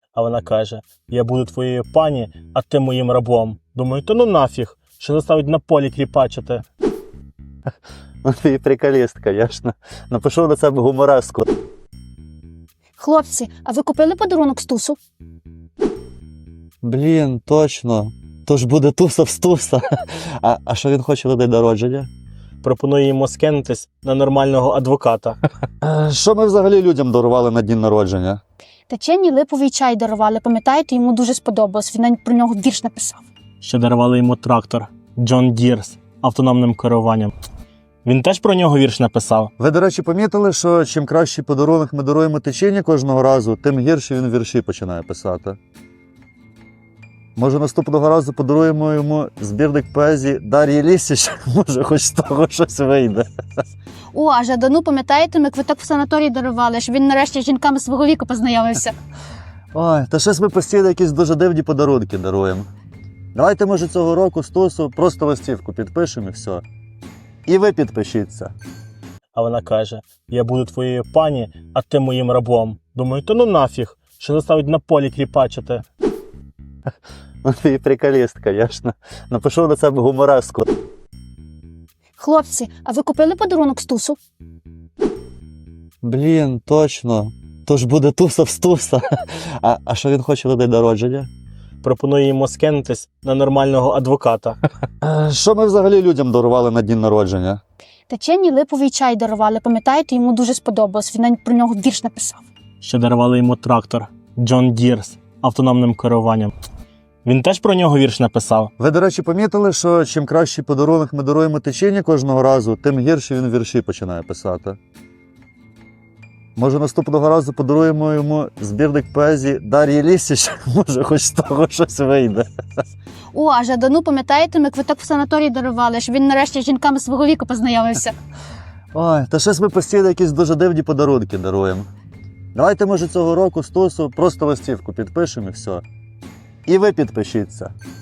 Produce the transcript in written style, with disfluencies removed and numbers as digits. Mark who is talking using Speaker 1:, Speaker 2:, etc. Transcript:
Speaker 1: А вона каже: я буду твоєю пані, а ти моїм рабом. Думаю, то ну нафіг, що заставить на полі кріпачити.
Speaker 2: Ну ти і приколіст, звісно. Напишу на себе гумореску.
Speaker 3: Хлопці, а ви купили подарунок Стусу?
Speaker 2: Блін, точно. То ж буде туса в стуса. А що він хоче на день народження?
Speaker 1: Пропоную йому скинутись на нормального адвоката.
Speaker 2: Що ми взагалі людям дарували на день народження?
Speaker 3: Течені липовий чай дарували, пам'ятаєте, йому дуже сподобалось, він навіть про нього вірш написав.
Speaker 1: Ще дарували йому трактор John Deere з автономним керуванням. Він теж про нього вірш написав.
Speaker 2: Ви, до речі, помітили, що чим кращий подарунок ми даруємо течені кожного разу, тим гірше він вірші починає писати. Може, наступного разу подаруємо йому збірник поезії Дар'ї Лісіч? Може, хоч з того щось вийде.
Speaker 3: О, а Жадану, пам'ятаєте, ми квиток в санаторій дарували, щоб він нарешті з жінками свого віку познайомився.
Speaker 2: Ой, та щось ми постійно якісь дуже дивні подарунки даруємо. Давайте, може, цього року Стусу просто листівку підпишемо і все. І ви підпишіться.
Speaker 1: А вона каже: я буду твоєю пані, а ти моїм рабом. Думаю, то ну нафіг, що заставить на полі кріпачити.
Speaker 2: Ну ти і приколіст, звісно. Напишу на себе гумореску.
Speaker 3: Хлопці, а ви купили подарунок Стусу?
Speaker 2: Блін, точно. То ж буде туса в стуса. А що він хоче на день народження?
Speaker 1: Пропоную йому скинутись на нормального адвоката.
Speaker 2: Що ми взагалі людям дарували на день народження?
Speaker 3: Течені липовий чай дарували, пам'ятаєте, йому дуже сподобалось, він навіть про нього вірш написав.
Speaker 1: Ще дарували йому трактор John Deere з автономним керуванням. Він теж про нього вірш написав.
Speaker 2: Ви, до речі, помітили, що чим кращий подарунок ми даруємо течені кожного разу, тим гірше він вірші починає писати. Може, наступного разу подаруємо йому збірник поезії Дар'ї Лісіч? Може, хоч з того щось вийде.
Speaker 3: О, а Жадану, пам'ятаєте, ми квиток в санаторій дарували, щоб він нарешті з жінками свого віку познайомився.
Speaker 2: Ой, та щось ми постійно якісь дуже дивні подарунки даруємо. Давайте, може, цього року Стусу просто листівку підпишемо і все. І ви підпишіться.